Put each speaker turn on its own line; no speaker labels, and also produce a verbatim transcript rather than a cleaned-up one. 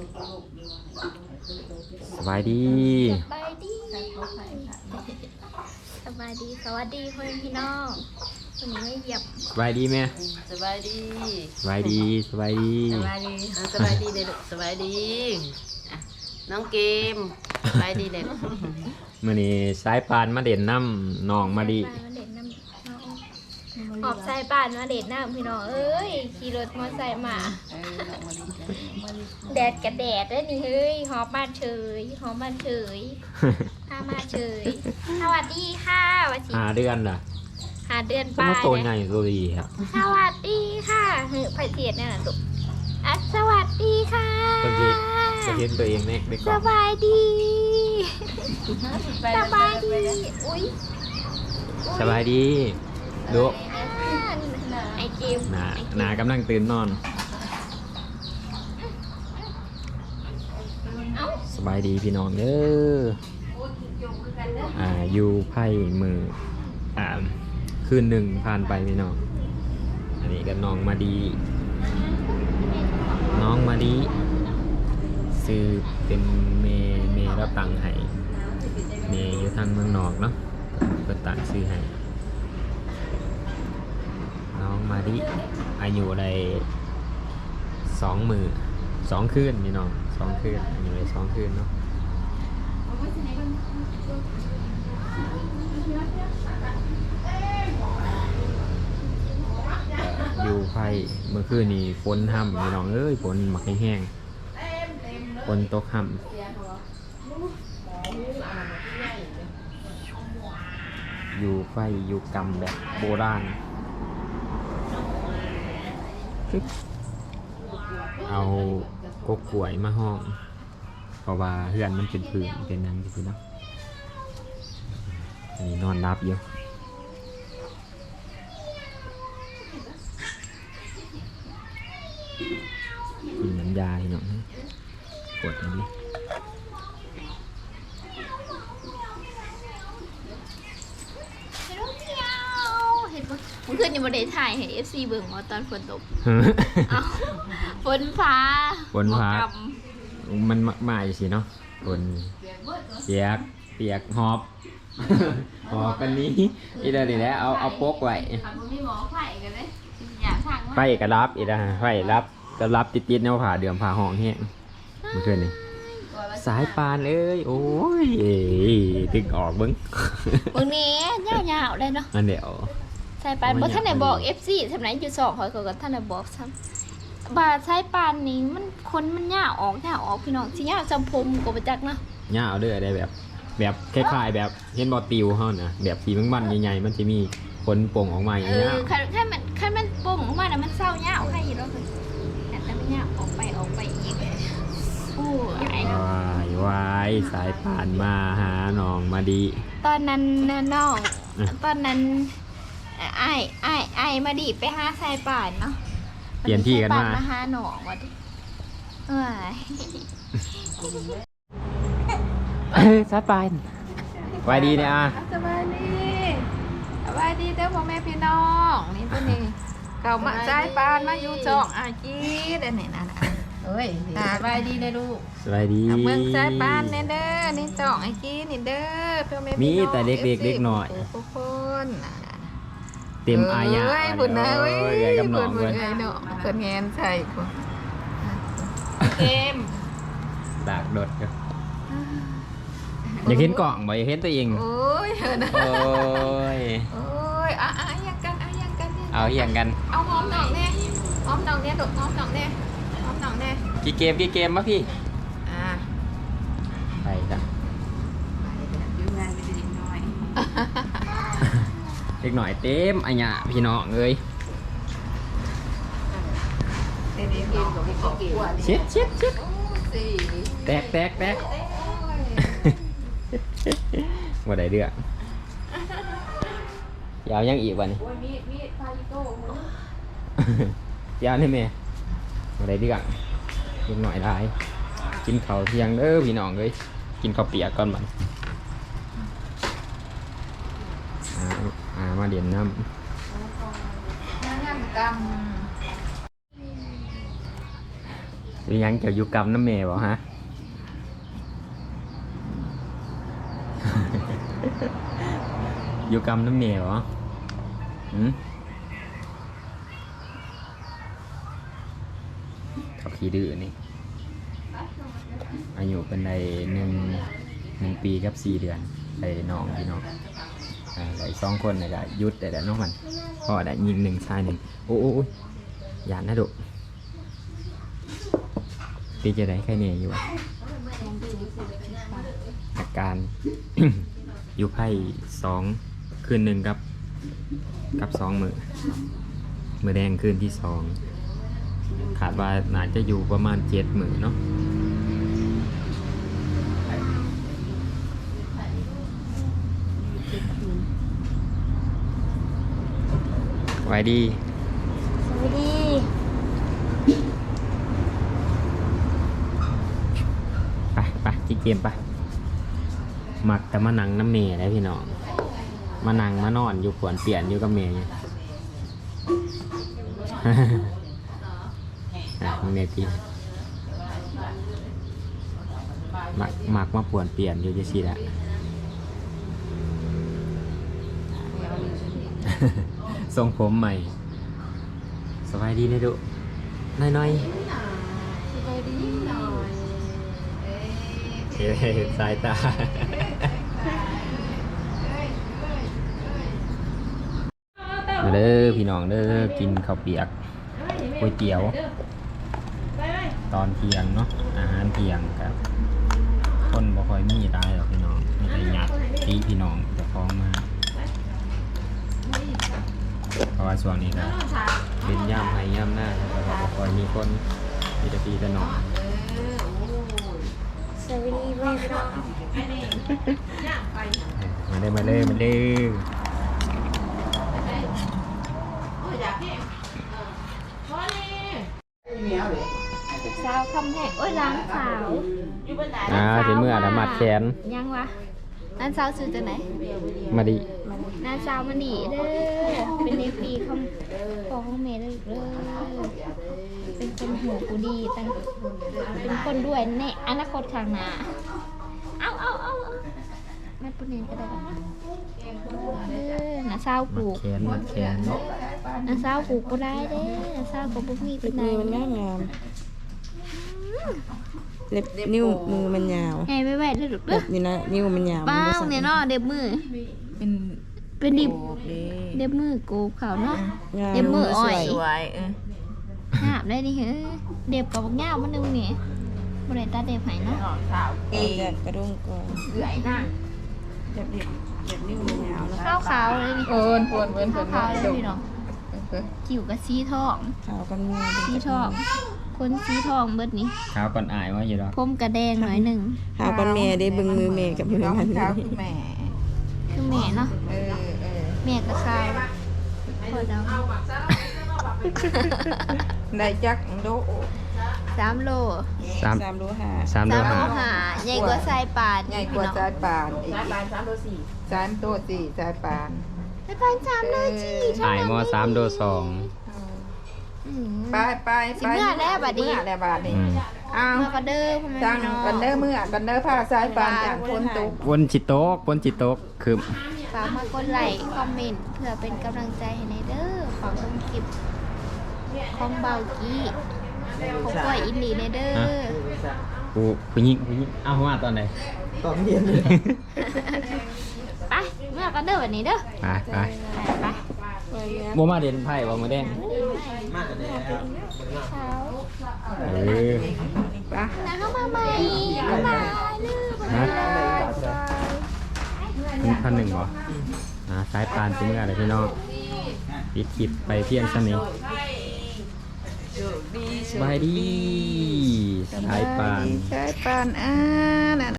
สบายดี
สบายดีสบายดีสวัสดีพ่อพี่น้องวันนี้ไม่เหยียบ
สบายดีไหม
สบายดี
สบายดีสบายดี
สบายดีสบายดีเด็กสบายดีน้องเกมสบายดีเด็ก
มื่อนี้สายปานมาเด่นน้ำน้องมาดี
ออกสายป่านมาเด็ดน้ำพี่น้องเอ้ยขี่รถมอไซค์มาแดดกับแดดได้นี่เฮ้ยหอมบ้านเฉยหอมบ้านเฉยข้ามาเฉยสวัสดีค่ะวันที่
หาเดือนล่ะ
หาเดือน
ปลายตัวใหญ่ตัวดีครับ
สวัสดีค่ะเฮ้ยไผ่เทียดเนี่ยนะลูกอ่ะสวัสดีค่ะ
ตัวเองตัวเองตัวเองเน็กเด็ก
สบายดีสบายดีอุ้ย
สบายดีดู
ไอเกม
หนาหนากำลังตื่นนอนสบายดีพี่น้องเด้ออ่าอยู่ไพ่มืออ่าคืนหนึ่งผ่านไปพี่น้องอันนี้ก็น้องมาดีน้องมาดีซื้อเป็นเมเมรับตังค์ให้เมอยู่ทางเมืองนอกเนาะก็ตังซื้อให้น้องมาดิอายุได้สองมือสองคืนนี่น้องสองคืนอายุได้สองคืนเนาะอยู่ไฟเมื่อคืนนี้ฝนห่ำนี่น้องเอ้ยฝนหมักแห้งๆฝนตกห่ำอยู่ไฟอยู่กำแบบโบราณเอากกกล้วยมาห้องเพราะว่าเฮือนมันเป็นพื้นเป็นนั้นจริงๆเนาะอันนี้นอนรับอยู่กินน้ำยาที่น้องกดอันนี้
เพื่อนยังไม่ได้ถ่ายให้ เอฟ ซี เบิ่งว่าตอนฝนตกเอาฝนฟ้า
ฝนฟ้ามันมาอยู่สิเนาะฝนเปียกเปียกหอบหอบกันนี้อีเดอร์ดีแล้วเอาเอาโป๊กไว้ไฟกระรับอีเดอร์ไฟรับกระรับติดติดแนวผ่าเดือมผ่าห้องแห้งเมื่อคืนนี้สายปานเอ้ยโอ้ยตึงออกบึ้ง
บึ้งนี้ยาวๆได้เนาะ
อันเดียว
สายปานบ่ท่านไหนบอก เอฟ ซี สำนักอยู่สองคอยก็ท่านไหนบอกซ้ำบาสายปานนี้มันคนมันยาวออกยาวออกพี่น้องสิยาวจำผมก็บ่จักเนาะ
ยาวเด้อได้แบบแบบคล้ายๆแบบเห็นบ่ติวเฮานะแบบสีมันๆใหญ่ๆมันสิมีขนโป่งออกมาอย่างเงี้ย
เออคันคันมันคันมันโป่งออกมาน่ะมันเศร้ายาวให้อยู่แล้วแต่ถ้ามันยาวออกไปออกไปอีกโอ้ย
วายวายสายปานมาหาน้องมาดี
ตอนนั้นน้องตอนนั้นไอ้ไอ้ไอ้มาดีไปหาสายป่านเนาะ
เปลี่ยนที่กันมา
มาหาหนองวะดิเอ้
ยสายปานสบายดีเนี่ยอ่ะ
สบายดีสบายดีเด้อพ่อแม่พี่น้องนี่ตัวนี้เก่ามาสายปานมาอยู่จ่องอาจีเด้อนี่นะ
เอ้ยสบายดีเลยลูก
สบายดี
เมืองสายปานเด้อนี่จ่องอาจีนี่เด้อพ่อแม่พี่น้อง
มีแต่เด็กๆเด็กหน่อย
ทุกคน
เต็มอายะ
เอ้ยพุ่นนะเอ้ย
กำนอง
เพิ่นเอ้ยเนาะเพิ่นแงนใส่พุ่นเกม
ดากดดครับอยากเห็นกล่องบ่อยากเห็นตัวเอง
โอ้ยเออนะ
โอ้ย
โอ้ยอ่ะอ่ะยังกันอ่ะยังกัน
เอาอย่างกัน
เอาหอมดอกเนี่ยหอมดอกเนี่ยดอกหอมดอกเนี่ยหอมดอกเนี่ย
กี่เกมกี่เกมมะพี่
อ่า
ไปจ้ะเด็กหน่อยเต็มอันเนี้ยพี่น้องเอ้ยเช็ดเช็ดเช็ดแตกแตกแตกว่าได้เรื่องยาวยังอีกวันนี้ยาวนี่แม่ว่าได้เรื่องเด็กหน่อยได้กินข้าวเที่ยงเด้อพี่น้องเอ้ยกินข้าวเปียกก่อนบัดมาเดียนน้ำมียังเกี่ยวอยู่กรรมน้ำเมย์บ่ฮะ อยู่กรรมน้ำเมย์บ่หืมเขาขี้ดื้อนี่อายุเป็นในหนึ่งหนึ่งปีกับสี่เดือนไอ้น้องพี่น้องอ่าไอ้สองคนนี่ก็หยุดแต่แต่น้องมันพ่อได้ยิงหนึ่งชายหนึ่งโอ้โอ้โอ้ยยานนะดุตีจะได้แค่นี้อยู่อะอาการ อยู่ไพ่สองคืนหนึ่งกับกับสองมือมือแดงคืนที่สองขาดว่าน่าจะอยู่ประมาณเจ็ดมือเนาะไว้ดี
สวัสดี
ไปไปจิเกมไปมักแต่มานั่งน้ำเมย์ได้พี่น้องมานั่งมานอนอยู่ขวนเปลี่ยนอยู่กับเมย์อยู่ อ่ะมึงเนี่ยพี่มักมักมาปวนเปลี่ยนอยู่จะสิละ ทรงผมใหม่สบายดีนะดุน้อยๆ
สบายดีหน่อย
เฮ้ยสายตา มาเด้อพี่น้องเด้อกินข้าวเปียกก๋วยเตี๋ยว ตอนเที่ยงเนาะอาหารเที่ยงครับคนบ่ค่อยมีตายหรอกพี่น้องมีแต่ญาติพี่น้องจะฟ้องมาเพราะว่าช่วงนี้ก็เป็นย่ำให้ย่ำหน้าแล้วก็บ่ค่อยมีคนมีแต่พี่แต่น้อง
สวัสดีแม่พี่น้อง
มาเลยมาเลยมาเลย
สาวคำแหงโอ้ยร้านสาว
อ่าเป็นเมื่อดมัดแขน
ยังวะร้านสาวซื้อจากไหน
มาดิ
ร้านสาวมันดีเด้อเป็นเอฟีคำของของเมย์เด้อเด้อเป็นคนหัวกูดีตั้งเป็นคนด้วยในอนาคตข้างหน้าเอาเอาเอาเอาแม่ปุเนนก็ได้ปะเด้อน้าสาวปลู
มัด
ก
แขนมัดแขน
น้าสาวปลูกก็ได้เด้อน้าสาวก็บ่มีเป็นไง
มือมันงามงามเล็บนิ้วมือมันยาว
ไงไม่ไหวเด้อลูก
แบ
เด้อบ
นี้นะนิ้วมันยาว
ป้าเนี่ยเนาะเด็บมือ
เป็น
เป็นดิบ
โอเค
เด็บมือโกบเขาเนาะ
งาม
เด็บมืออ่อย
สวยเออ
หาบได้ดิเฮ้ยเด็บกับบักย่าวมันนึงนี่บ่ได้ตาเด็บให้เนาะ
หอมสาว
เอ
เก๋
กกระดุมก่อน
เอื่อยหน้า
เด็บเด็บเด็บนิ้วมันยาวแล้ว
ขาวขาวๆเลยนี่
เอินเอินเอิน
ขาวขาวๆเลยพี่น้องจิ๋วกับสีทอง
ขาวกันมือ
สีทอง คนสีทองเบิดนี่
ขาวก่อนอายว่าอยู่ดอก
ผมกระแดงหน่อยหนึ่ง
ขาวกันแม่ได้เบึงมือแม่กับมือมัน
ขาวคือแม่
คือแม่เนาะ
เออเออ
แม่ก็ขาวพอเดา
ได้จักโด
สามโล
สาม
สามโลห้า
สามโล
สามโล
หา
หาใหญ่กว่าสายป่าน
ใหญ่กว่าสายปานอีกสายปานสามโลสี่สามโลสี่สายปาน
สายป่านสามโลจี
อายมอสามโลสอง
อืม
ไปไป
สิเมื่อแล้วบัดนี้
เมื่อแล้วบัดนี้
อืม
เอา
เมื่อก็เด้อพ่อแม่
จัง
พี่น้อง
กันเด้อเมื่อกันเด้อผ้าสายปานจากคนตุก
บนจิตโต๊กบนจิตโต๊กคือ
ฝากมากดไลค์คอมเมนต์เพื่อเป็นกำลังใจให้ในเด้อขอชมคลิปของเบากี้ของก้อยอินดีในเด้อ
กูผู้หญิงผู้หญิงเอามาตอนไหน
ตอนเย็น
ไปเมื่อก็เด้อวันนี้เด้อ
ไปไป
ไป
โมมาเด่นไพ่บ่มาแดง
เช้า
เออ
ไป
แล้วเข้ามาใหม่บ๊ายบายลืม
ฮะพันหนึ่งบ่อ่าสายปานเป็นเมื่อไรพี่น้องปิดคลิปไปเพียงเท่านี้สบายดีสายปาน
สายปานอ่านั่น